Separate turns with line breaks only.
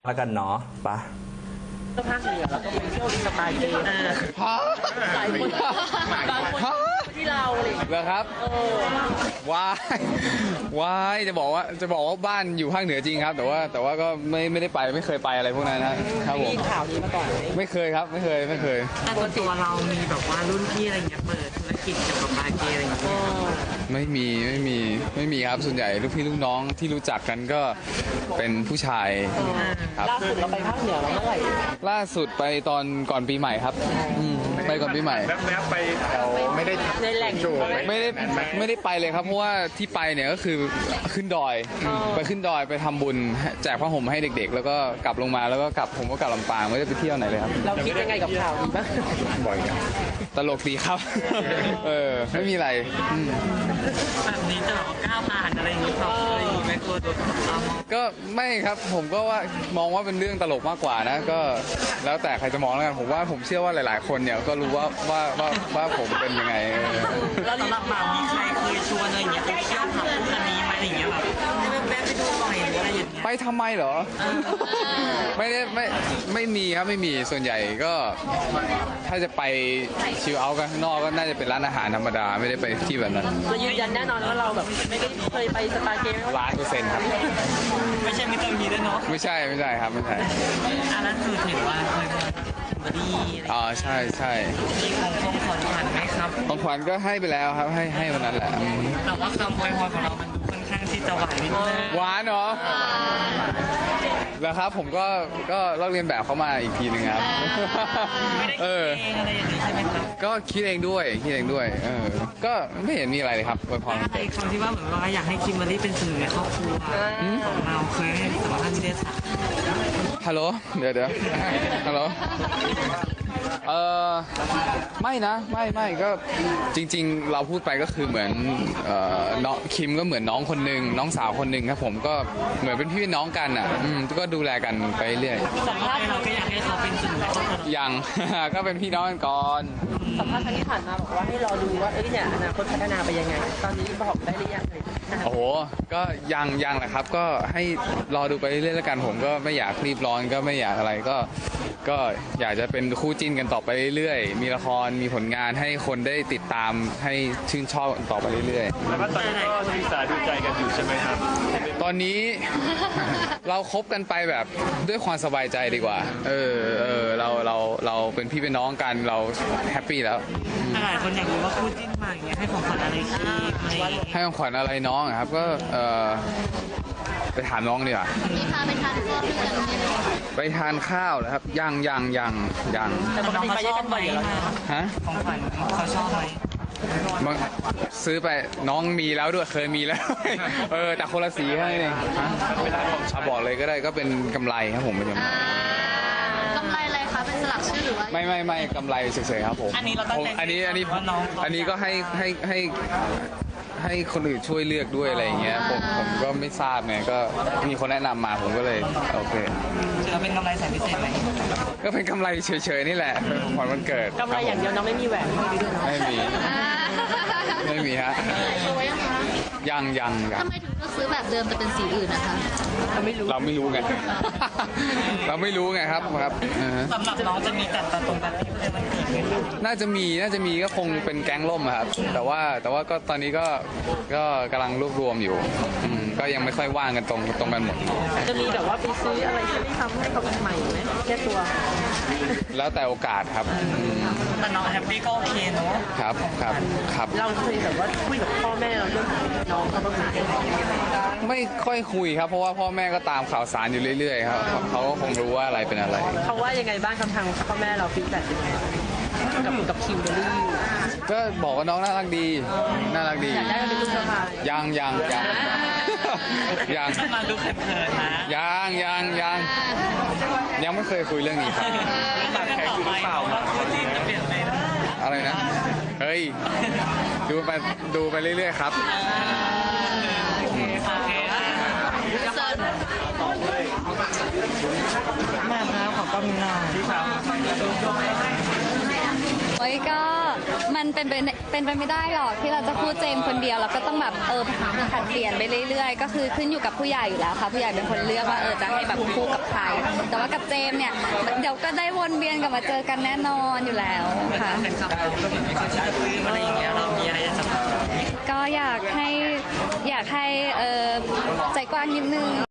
แล้วกันเนาะปะ
ก็ภาคเหนือแล้วก็ไปเที่ยวสไตล์เกย์หลายคนบางคนที่เราเลย
เหรอครับวายจะบอกว่าบ้านอยู่ภาคเหนือจริงครับ แต่ว่าก็ไม่ได้ไปไม่เคยไปอะไรพวกนั้นนะครับผม
มีข่าวนี้มาก่อนไหม
ไม่เคยครับไม่เคย
ปกติเรามีแบบว่ารุ่นพี่อะไรเงี้ยเปิดธุรกิจเกี่ยวกับบาร์เกย์อะไรเงี้ย
ไม่มีครับส่วนใหญ่ลูกพี่ลูกน้องที่รู้จักกันก็เป็นผู้ชายครับ
ล่าสุดเราไปภาคเหนือเราเมื่อไหร่
ล่าสุดไปตอนก่อนปีใหม่ครับไปก่อนปีใหม่
แวบไปแถวไม่ได้
ในแหล่ง
ไม่ได้ไปเลยครับเพราะว่าที่ไปเนี่ยก็คือขึ้นดอยไปขึ้นดอยไปทำบุญแจกผ้าห่มให้เด็กๆแล้วก็กลับลงมาแล้วก็ผมก็กลับลำปางไม่ได้ไปเที่ยวไหนเลยครับ
เราคิดยังไงกับข่าวนี้บ้าง
บ่อยตลกดีครับไม่มีอะไร
แบบนี้จะบอกก้าวผ่านอะไรอย่างนี้ครับไม่กลัวโดน
ก็ไม่ครับผมก็ว่ามองว่าเป็นเรื่องตลกมากกว่านะก็แล้วแต่ใครจะมองแล้วกันผมเชื่อว่าหลายๆคนเนี่ยก็รู้ว่าผมเป็นยังไง
แล้วสำหรับบ่าวมีใครเคยชวนอะไรอย่างเงี้ยไปเที่ยวผับพวกนี้ไหมอะไรอย่างเงี้ยแบบแวะไปดูหน่อยหรืออะไรอย่างเงี้ย
ไปทำไมเหรอไม่มีครับไม่มีส่วนใหญ่ก็ถ้าจะไปชิลเอาท์กันข้างนอกก็น่าจะเป็นร้านอาหารธรรมดาไม่ได้ไปที่แบบนั้น
เรายืนยันแน่นอนว่าเราแบบไม่ได้เคยไปสปาเกม
100%ครับ
ไม่ใช่มิสเตอร์มีด้วยเนาะ
ไม่ใช่ครับไม่ใช่
อันนั้นคือเห็นว่าเคยมาบอดี้
ใช่
มีของขวัญไหมครับ
ของขวัญก็ให้ไปแล้วครับให้วันนั้นแหละ
แต่ว่าคำอวยพรของเรามันดูค่อนข้างที่จะหวานนิดนึง
หวานเหรอแล้วครับผมก็ลอกเรียนแบบเขามาอีกทีหนึ่งครับ
ไม่ได้คิดเองอะไรอย่างนี้ใช่ไหมครับ
ก็คิดเองด้วยก็ไม่เห็นมีอะไรเลยครับอวยพร
อะไรคำที่ว่าเหมือนว่าอยากให้คิมเบอร์รี่เป็นสื่อในครอบครัวของเราเคยให้สัมภาษณ์ที่ได้ถาม
ฮัลโหลเดี๋ยวฮัลโหลไม่นะไม่ก็จริงๆเราพูดไปก็คือเหมือนน้องคิมก็เหมือนน้องคนหนึ่งน้องสาวคนหนึ่งครับผมก็เหมือนเป็นพี่น้องกันอ่ะก็ดูแลกันไปเรื่อย
สัมภาษณ์เราก็อยากให้เขาเป็นสื่อ
ยัง ก็เป็นพี่น้องกันก่อน
สัมภาษณ์ครั้งที่ผ่านมาบอกว่าให้รอดูว่าเนี่ยอนาคตพัฒนาไปยังไงตอนนี้บอกได้หรือยัง
โอ้โหก็ยังแหละครับก็ให้รอดูไปเรื่อยๆแล้วกันผมก็ไม่อยากรีบร้อนก็ไม่อยากอะไรก็อยากจะเป็นคู่จิ้นกันต่อไปเรื่อยๆมีละครมีผลงานให้คนได้ติดตามให้ชื่นชอบต่อไปเรื่อย
ๆแล้วก็ตอนนี้ก็ศึกษาดูใจกันอยู่ใช่ไหมครับ
ตอนนี้เราคบกันไปแบบด้วยความสบายใจดีกว่าเราเป็นพี่เป็นน้องกันเราแฮปปี้แล้ว
หลายคนอยากรู้ว่าคู่จิ้นมาอย่างเงี้ยให้ของขวัญอะไรคิดไหม
ให้ของขวัญอะไรน้องครับก็ไปถามน้องดีกว่า
มีพาไปทานข้าวด้วยกันไหม
ไปทานข้าวนะครับยัง
แต่ปกติไปด้วยกันบ่อยฮะของขวัญเขาชอบไหม
ซื้อไปน้องมีแล้วด้วยเคยมีแล้วแต่คนละสีให้เองบอกเลยก็ได้ก็เป็นกำไรครับผมเป็นกำไร
อะไรคะเป็นสลักชื่อหรือว่า
ไม่กำไรเฉยๆครับผม
อันนี้เราตั้งใจ
อันนี้ก็ให้คนอื่นช่วยเลือกด้วยอะไรอย่างเงี้ยผมก็ไม่ทราบไงก็มีคนแนะนำมาผมก็เลยโอเค
จะเป็นกำไรแสนพิเศษไหม
ก็เป็นกำไรเฉยๆนี่แหละขวัญวันเกิด
กำไรอย่างเดียวน้องไม่มีแหวน
ไม่มีฮะยัง
ทำไมถึงต้องซื้อแบบเดิมแต่เป็นสีอื่นนะคะ
เราไม่รู้ไงเราไม่รู้ไงครับ
สำหรับน้องจะมีจัดตรงกัน
น่าจะมีก็คงเป็นแก๊งล่มครับแต่ว่าก็ตอนนี้ก็กำลังรวบรวมอยู่ก็ยังไม่ค่อยว่างกันตรงกันหมด
จะมีแบบว่าไปซื้ออะไรที่ทำให้เขาใหม่ไหมแค่ตัว
แล้วแต่โอกาสครับ
แต่น้องแฮปปี้ก็โอเคเนาะ
ครับ
เราเคยแบบว่าคุยกับพ่อแม่เราเรื่องน้องเขาบ้างไหม
ไม่ค่อยคุยครับเพราะว่าพ่อแม่ก็ตามข่าวสารอยู่เรื่อยๆครับเขาก็คงรู้ว่าอะไรเป็นอะไร
เขาว่ายังไงบ้างคำทางพ่อแม่เราฟีดแบ็กยังไงกับคิมเบอร์รี่
ก็บอกว่าน้องน่ารักดี
อยากได้เป็นลูกสะใภ้
ยัง
มาดูเขินๆนะ
ยังไม่เคยคุยเรื่องนี้ครับ
แบบแข็งอยู่หรือเปล่าคู่จิ้นจะเปลี่ยนไปนะ
อะไรนะเฮ้ยดูไปเรื่อยๆครับ
มาครับขอบคุณหน่อย
โอ้ยก็
มันเป็นไปไม่ได้หรอกที่เราจะพูดเจมส์คนเดียวเราก็ต้องแบบผัดเปลี่ยนไปเรื่อยๆก็คือขึ้นอยู่กับผู้ใหญ่อยู่แล้วค่ะผู้ใหญ่เป็นคนเลือกว่าจะให้แบบคู่กับใครแต่ว่ากับเจมส์เนี่ยเดี๋ยวก็ได้วนเวียนกลับมาเจอกันแน่นอนอยู่แล้วค่ะ
เป็นคำพูดแบบมีคนชื่อปื้มอะไรอย่างเงี้ยเรามีอะไรจะบอก
ก็อยากให้ใจกว้างนิดนึง